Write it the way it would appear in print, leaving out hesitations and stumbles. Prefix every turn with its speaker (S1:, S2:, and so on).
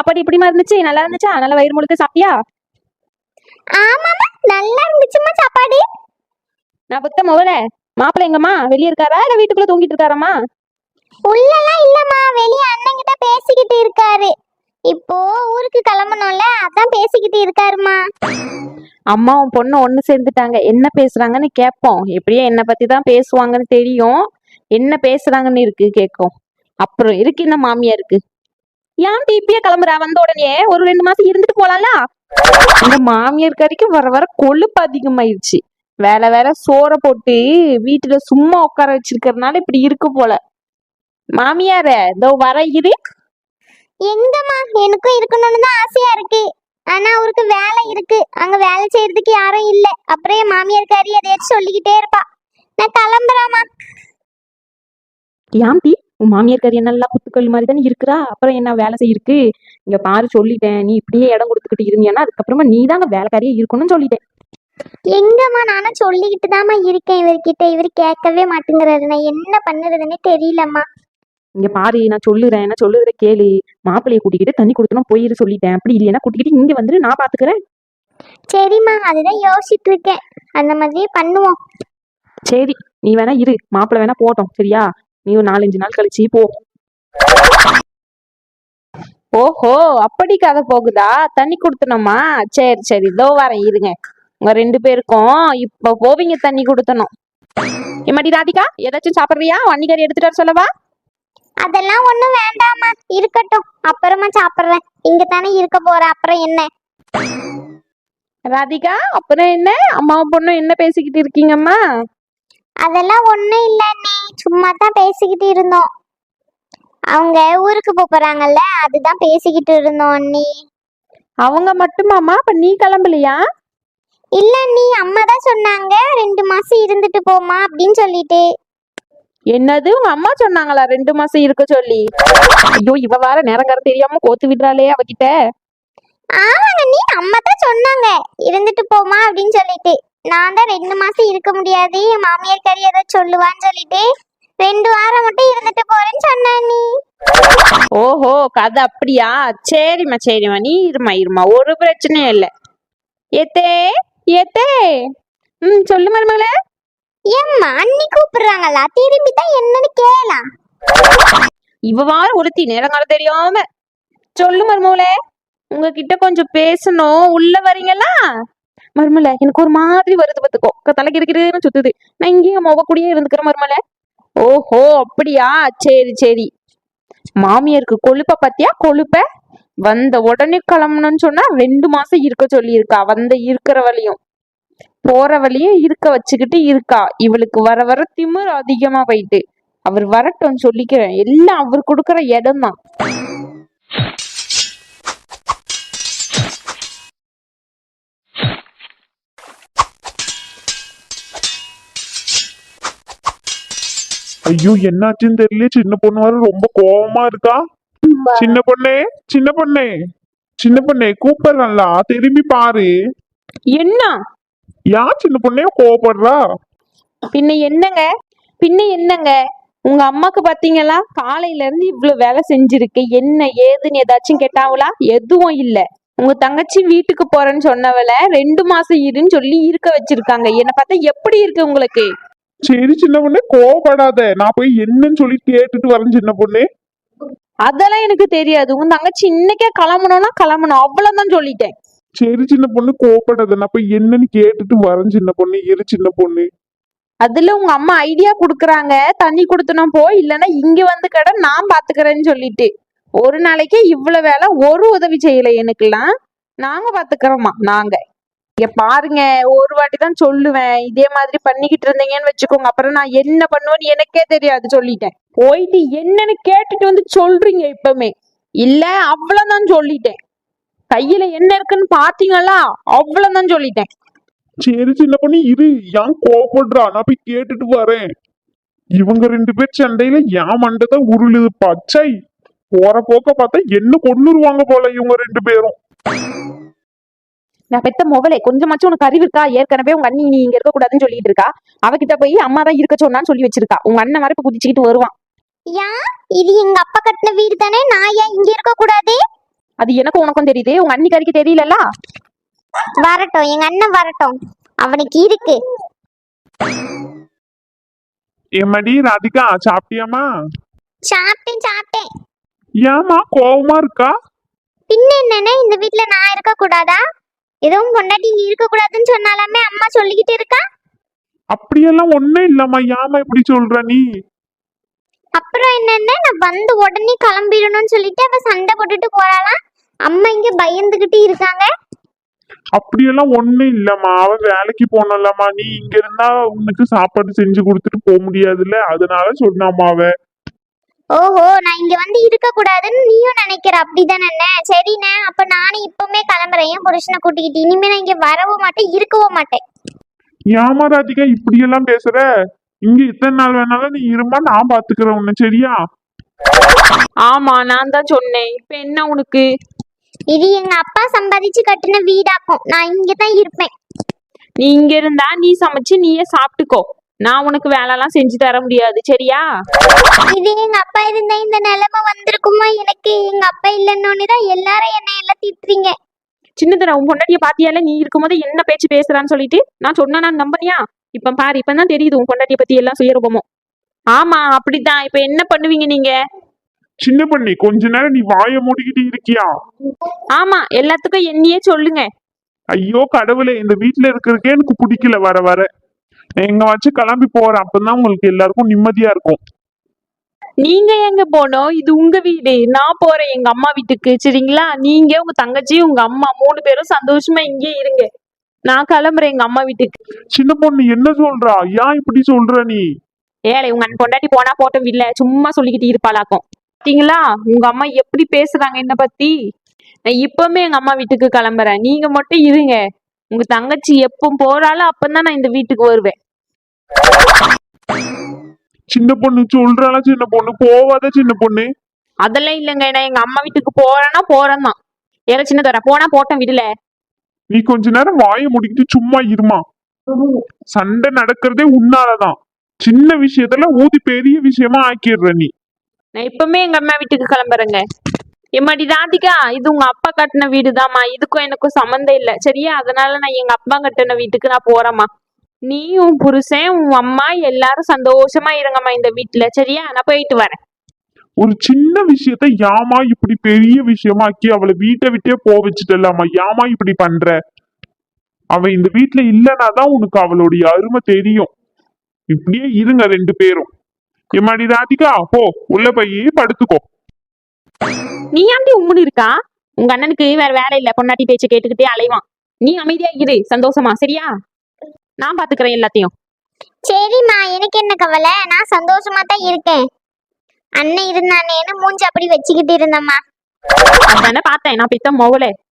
S1: சாப்பாடு இப்படிமா இருந்துச்சு? நல்லா இருந்துச்சா? நல்லா வயிறு முழுக்க சாப்பிட்டியா?
S2: ஆமாமா, நல்லா இருந்துச்சுமா சாப்பாடு.
S1: நான் புத்த முதல்ல மாப்பிள்ளை எங்கம்மா? வெளியே இருக்காரா இல்ல வீட்டுக்குள்ள தூங்கிட்டு இருக்காரம்மா?
S2: உள்ளலாம் இல்லம்மா, வெளிய அண்ணன் கிட்ட பேசிக்கிட்டு இருக்காரு. இப்போ ஊருக்கு கிளம்பணும்ல, அதான் பேசிக்கிட்டு இருக்காருமா.
S1: அம்மாவும் பொண்ணு ஒண்ணு சேர்ந்துட்டாங்க. என்ன பேசுறாங்கன்னு கேட்போம். எப்படியே என்ன பத்தி தான் பேசுவாங்கன்னு தெரியும். என்ன பேசுறாங்கன்னு இருக்கு கேட்கும். அப்புறம் இருக்கு இந்த மாமியா இருக்கு. ஏன் இப்பயே கிளம்புறா? வந்த உடனே ஒரு 2 மாசம் இருந்துட்டு போலாம்ல? இந்த மாமியார் கறிக்கு வர வர கொழுப்பு அதிகமாயிருச்சு. வேலை வேற சோற போட்டு வீட்டுல சும்மா உட்கார வச்சிருக்கறதுனால இப்படி இருக்கு போல. மாமியார இதோ வர இரு.
S2: எங்கம்மா, எனக்கும் இருக்கணும்னு தான் ஆசையா இருக்கு. ஆனா அவருக்கு வேலை இருக்கு, அங்க வேலை செய்யறதுக்கு யாரும் இல்ல. அப்புறம் என் மாமியார் காரி எதையாச்சும் சொல்லிக்கிட்டே இருப்பா. நான் கிளம்புறாமா.
S1: ஏன்டி உன் மாமியார் கறி நல்லா குத்துக்கல் மாதிரி தானே இருக்கிறா? அப்புறம் என்ன வேலை செய்யிருக்கு? இங்க பாரு, சொல்லிட்டேன். நீ இப்படியே இடம் கொடுத்துக்கிட்டு இருந்தீங்கன்னா அதுக்கப்புறமா நீ தாங்க வேலைக்காரியே இருக்கணும்னு சொல்லிட்டேன்.
S2: எங்கம்மா, நானும் சொல்லிக்கிட்டு தாம்மா இருக்கேன் இவர்கிட்ட. இவர் கேட்கவே மாட்டேங்கிறாரு. நான் என்ன பண்ணுறதுன்னே தெரியலம்மா.
S1: இங்க பாரு, நான் சொல்லுறத கேளு. மாப்பிள்ளைய கூட்டிக்கிட்டு தண்ணி கொடுத்தனும் போயிரு சொல்லிட்டேன். அப்படி இல்லையா கூட்டிக்கிட்டு இங்க வந்துட்டு நான் பாத்துக்கிறேன்.
S2: சரிம்மா, அதுதான் யோசிச்சுட்டு இருக்கேன். அந்த மாதிரியே பண்ணுவோம்.
S1: சரி, நீ வேணா இரு, மாப்பிள்ளை வேணா போட்டோம். சரியா? நீ ஒரு 4-5 நாள் கழிச்சு போ. ஓஹோ, அப்படி கதை போகுதா? தண்ணி கொடுத்தனோமா? சரி சரி, இதோ வரேன் இருங்க. உங்க 2 பேருக்கும் இப்ப போவீங்க தண்ணி கொடுத்தனும். எம்மாடி ராதிகா, ஏதாச்சும் சாப்பிடுறியா? வன்னிக்கறி எடுத்துட்டு வர சொல்லவா?
S2: அதெல்லாம் ஒண்ணும் வேண்டாமா, இருக்கட்டும், அப்புறமா சாப்பிடுறேன். இங்க தானே இருக்க போற, அப்புறம் என்ன?
S1: ராதிகா, அப்புறம் என்ன? அம்மாவும் பொண்ணும் என்ன பேசிக்கிட்டு இருக்கீங்கம்மா?
S2: அதெல்லாம் ஒண்ணும் இல்ல நீ, சும்மா தான் பேசிக்கிட்டு இருந்தோம். அவங்க ஊருக்கு போறாங்கல்ல, அதுதான் பேசிக்கிட்டு இருந்தோம் அண்ணி.
S1: அவங்க மட்டுமாமா? அப்ப நீ கிளம்பலையா?
S2: இல்ல நீ, அம்மா தான் சொன்னாங்க 2 மாசம் இருந்துட்டு போமா அப்படின்னு சொல்லிட்டு.
S1: என்னது, உங்க அம்மா சொன்னாங்களா 2 மாசம் இருக்க சொல்லி? ஐயோ, இவ வார நேரங்கார தெரியாம கோத்து விடுறாளே அவகிட்ட.
S2: ஆமாங்க நீ, அம்மா தான் சொன்னாங்க இருந்துட்டு போமா அப்படின்னு சொல்லிட்டு. நான் தான் 2 மாசம் இருக்க முடியாது, என் மாமியார் கறி ஏதாவது சொல்லுவான்னு சொல்லிட்டு 2 வாரம் மட்டும் இருந்துட்டு போறேன்னு சொன்னா நீ.
S1: ஓஹோ, கதை அப்படியா? சரிம்மா சரிம்மா, நீ இருமா, ஒரு பிரச்சனையும் இல்லை. ஏத்தே ஏத்தே. சொல்லு மருமகளே.
S2: ஏம்மா, அண்ணி கூப்பிடுறாங்களா? திரும்பி தான் என்னன்னு கேளலாம்.
S1: இவ வார ஒருத்தி நேரங்காலம் தெரியாம. சொல்லு மருமகளே, உங்ககிட்ட கொஞ்சம் பேசணும். உள்ள வரீங்களா? மருமலை, எனக்கு ஒரு மாதிரி வருது பார்த்துக்கோ. தலைக்கு இருக்கிறதுன்னு சுத்துது. நான் இங்கேயும் முக கூடயே இருந்துக்கிறேன் மருமலை. ஓஹோ, அப்படியா? சரி சரி. மாமியாருக்கு கொழுப்ப பத்தியா? கொழுப்ப வந்த உடனே கிளம்பணும்னு சொன்னா 2 மாசம் இருக்க சொல்லி இருக்கா. வந்த இருக்கிற வழியும் போற வழியும் இருக்க வச்சுக்கிட்டு இருக்கா. இவளுக்கு வர வர திமிர் அதிகமா போயிட்டு. அவர் வரட்டும் சொல்லிக்கிறேன். எல்லாம் அவர் கொடுக்கற இடம் தான்.
S3: ஐயோ, என்னாச்சுன்னு தெரியல. சின்ன பொண்ணு வர ரொம்ப கோவமா இருக்கா. சின்ன பொண்ணே, சின்ன பொண்ணே, சின்ன பொண்ணே கூப்பிடுறா, திரும்பி பாரு.
S1: என்ன?
S3: யார் சின்ன பொண்ணே கோவப்படுறா?
S1: பின்ன என்னங்க? உங்க அம்மாக்கு பாத்தீங்களா, காலையில இருந்து இவ்வளவு வேலை செஞ்சிருக்கு. என்ன ஏதுன்னு ஏதாச்சும் கேட்டாவளா? எதுவும் இல்ல. உங்க தங்கச்சி வீட்டுக்கு போறேன்னு சொன்னவள 2 மாசம் இருன்னு சொல்லி இருக்க வச்சிருக்காங்க. என்ன பார்த்தா எப்படி இருக்கு உங்களுக்கு?
S3: சரி சின்ன பொண்ணே, கோவப்படாத. நான் போய் என்னன்னு சொல்லி கேட்டுட்டு வரேன் சின்ன பொண்ணே.
S1: அதெல்லாம் எனக்கு தெரியாது. உங்க தங்கச்சி இன்னைக்கே கிளம்பணும்னா கிளம்பணும், அவ்வளவுதான் சொல்லிட்டேன்.
S3: சரி சின்ன பொண்ணு, கோவப்படாத. நான் போய் என்னன்னு கேட்டுட்டு வரேன் சின்ன பொண்ணு. இரு சின்ன பொண்ணு.
S1: அதுல உங்க அம்மா ஐடியா குடுக்குறாங்க, தண்ணி கொடுத்தனும் போ, இல்லைன்னா இங்க வந்து கடை நான் பாத்துக்கிறேன்னு சொல்லிட்டு. ஒரு நாளைக்கே இவ்வளவு வேலை, ஒரு உதவி செய்யல எனக்குலாம். நாங்க பாத்துக்கிறோமா? நாங்க இங்க பாருங்க, ஒரு வாட்டி தான் சொல்லுவேன். இதே மாதிரி பண்ணிக்கிட்டு இருந்தீங்கன்னு வச்சுக்கோங்க, அப்புறம் நான் என்ன பண்ணுவேன்னு எனக்கே தெரியாது சொல்லிட்டேன். போயிட்டு என்னன்னு கேட்டுட்டு வந்து சொல்றீங்க இப்பவுமே. இல்ல, அவ்வளவுதான் சொல்லிட்டேன். கையில என்ன இருக்குன்னு பாத்தீங்களா? அவ்வளவுதான் சொல்லிட்டேன்.
S3: சரி சின்ன பொண்ணு, இரு. ஏன் கோவப்படுறா? நான் போய் கேட்டுட்டு வரேன். இவங்க 2 பேர் சண்டையில என் மண்டைதான் உருளுது. பச்சை போற போக்க பார்த்தா என்ன கொன்னுருவாங்க போல இவங்க 2 பேரும்.
S1: நான் பெத்த மொபைலை கொஞ்சமாச்சும் உனக்கு அறிவு இருக்கா? ஏற்கனவே உங்க அண்ணி நீ இங்க இருக்க கூடாதுன்னு சொல்லிட்டு இருக்கா. அவகிட்ட போய் அம்மா தான் இருக்க சொன்னான்னு சொல்லி வச்சிருக்கா. உங்க அண்ணன் மாதிரி இப்ப குதிச்சுக்கிட்டு வருவான்.
S2: யா, இது எங்க அப்பா கட்டின வீடு தானே, நான் ஏன் இங்க இருக்க கூடாது?
S1: அது எனக்கும் உனக்கும் தெரியுது, உங்க அன்னிக்காரிக்கு தெரியலல்ல.
S2: வரட்டும், எங்க அண்ணன் வரட்டும், அவனுக்கு இருக்கு.
S3: ஏமாடி ராதிகா, சாப்பிட்டியாமா?
S2: சாப்பிட்டேன்.
S3: ஏமா கோவமா இருக்கா?
S2: பின்ன என்னன்னா, இந்த வீட்ல நான் இருக்க கூடாதா? எதுவும் பொண்டாட்டி இங்க இருக்க கூடாதுன்னு சொன்னாலுமே அம்மா சொல்லிக்கிட்டு இருக்கா.
S3: அப்படியெல்லாம் ஒண்ணும் இல்லம்மா, ஏமா இப்படி சொல்ற நீ?
S2: அப்புறம் என்னன்னா, நான் வந்து உடனே கிளம்பிடணும்னு சொல்லிட்டு அவ சண்டை போட்டுட்டு போறாளாம். அம்மா இங்க பயந்துகிட்டு இருக்காங்க.
S3: அப்படியெல்லாம் ஒண்ணும் இல்லம்மா, அவ வேலைக்கு போனலம்மா, நீ இங்க இருந்தா உனக்கு சாப்பாடு செஞ்சு கொடுத்துட்டு போக முடியாதுல்ல, அதனால சொன்னாமா அவ.
S2: ஓஹோ, நான் இங்க வந்து இருக்க கூடாதுன்னு நீயும் நினைக்கிற, அப்படிதானே? சரிண்ணே, அப்ப நானும் இப்பவுமே கிளம்புறேன். என் புருஷனை கூட்டிக்கிட்டு இனிமே நான் இங்க வரவும் மாட்டேன், இருக்கவும் மாட்டேன்.
S3: ஏமா ராதிகா இப்படியெல்லாம் பேசுற? இங்க இத்தனை நாள் வேணாலும் நீ இருமா, நான் பாத்துக்கிறேன் உன்னை, சரியா?
S1: ஆமா, நான் தான் சொன்னேன். இப்ப என்ன உனக்கு?
S2: இது எங்க அப்பா சம்பாதிச்சு கட்டின வீடாக்கும், நான் இங்கதான் இருப்பேன்.
S1: நீ இங்க இருந்தா நீ சமைச்சு நீயே சாப்பிட்டுக்கோ. நான் உனக்கு வேலைலாம் செஞ்சு தர முடியாது, சரியா?
S2: இது எங்க அப்பா இருந்தா இந்த நிலைமை வந்திருக்குமா எனக்கு? எங்க அப்பா இல்லைன்னு தான் எல்லாரும் என்ன எல்லாம் திட்டுறீங்க.
S1: சின்னதுல உன் பொண்டாட்டிய பாத்தியால, நீ இருக்கும்போது என்ன பேச்சு பேசுறான்னு சொல்லிட்டு நான் சொன்னா நான் நம்பனியா? இப்ப பாரு, இப்பதான் தெரியுது உன் பொண்டாட்டிய பத்தி எல்லாம் சுயரூபமும். ஆமா, அப்படித்தான். இப்ப என்ன பண்ணுவீங்க நீங்க?
S3: சின்ன பண்ணி, கொஞ்ச நேரம் நீ வாயை மூடிக்கிட்டு இருக்கியா?
S1: ஆமா, எல்லாத்துக்கும் என்னையே சொல்லுங்க.
S3: ஐயோ கடவுளே, இந்த வீட்டுல இருக்கிறதுக்கே எனக்கு பிடிக்கல. வர வர நான் எங்க வச்சு கிளம்பி போறேன், அப்பதான் உங்களுக்கு எல்லாருக்கும் நிம்மதியா இருக்கும்.
S1: நீங்க எங்க போனோம்? இது உங்க வீடு. நான் போறேன் எங்க அம்மா வீட்டுக்கு, சரிங்களா? நீங்க உங்க தங்கச்சி உங்க அம்மா 3 பேரும் சந்தோஷமா இங்கே இருங்க. நான் கிளம்புறேன் எங்க அம்மா வீட்டுக்கு.
S3: சின்ன பொண்ணு என்ன சொல்றா? ஏன் இப்படி சொல்ற நீ?
S1: ஏழை உங்க அண்ணன் பொண்டாட்டி போனா போட்டோம், இல்ல சும்மா சொல்லிக்கிட்டு இருப்பாளாக்கும். பாத்தீங்களா உங்க அம்மா எப்படி பேசுறாங்க என்ன பத்தி? நான் இப்பவுமே எங்க அம்மா வீட்டுக்கு கிளம்புறேன், நீங்க மட்டும் இருங்க. உங்க தங்கச்சி எப்போ போறாளோ அப்பதான் நான் இந்த வீட்டுக்கு வருவேன்.
S3: சின்ன பொண்ணு சொல்றாளா? சின்ன பொண்ணு போவாத சின்ன பொண்ணு.
S1: அதெல்லாம் இல்லைங்க, நான் எங்க அம்மா வீட்டுக்கு போறேன்னா போறேன் தான். ஏழை சின்ன தர போனா போட்டோம், விடல.
S3: நீ கொஞ்ச நேரம் வாயை முடிக்கிட்டு சும்மா இருமா. சண்டை நடக்கிறதே உன்னாலதான். சின்ன விஷயத்துல ஊதி பெரிய விஷயமா ஆக்கிடுற நீ.
S1: நான் இப்பவுமே எங்க அம்மா வீட்டுக்கு கிளம்புறேங்க. எம்மாடி ராதிகா, இது உங்க அப்பா கட்டின வீடுதாம்மா, இதுக்கும் எனக்கும் சம்மந்தம் இல்லை, சரியா? அதனால நான் எங்க அப்பா கட்டின வீட்டுக்கு நான் போறேம்மா. நீ உன் புருஷன் உன் அம்மா எல்லாரும் சந்தோஷமா இருங்கம்மா இந்த வீட்டுல, சரியா? நான் போயிட்டு வரேன்.
S3: ஒரு சின்ன விஷயத்த யாமா இப்படி பெரிய விஷயமா ஆக்கி அவளை வீட்டை விட்டே போ வச்சுட்டலாமா? யாமா இப்படி பண்ற? அவ இந்த வீட்டுல இல்லைனாதான் உனக்கு அவளுடைய அருமை தெரியும். இப்படியே இருங்க 2 பேரும். எம்மாடி ராதிகா, போ உள்ள போய் படுத்துக்கோ.
S1: நீ ஆண்டி உம்முன்னு இருக்கா? உங்க அண்ணனுக்கு வேற வேலை இல்ல, பொண்டாட்டி பேச்சு கேட்டுக்கிட்டே அலைவான். நீ அமைதியா இரு, சந்தோஷமா, சரியா? நான் பாத்துக்கிறேன் எல்லாத்தையும்.
S2: சரிம்மா, எனக்கு என்ன கவலை, நான் சந்தோஷமா தான் இருக்கேன். அண்ணன் இருந்தானேன்னு மூஞ்சி அப்படி வச்சுக்கிட்டு இருந்தம்மா.
S1: அதானே பார்த்தேன், நான் பித்த மோகலே.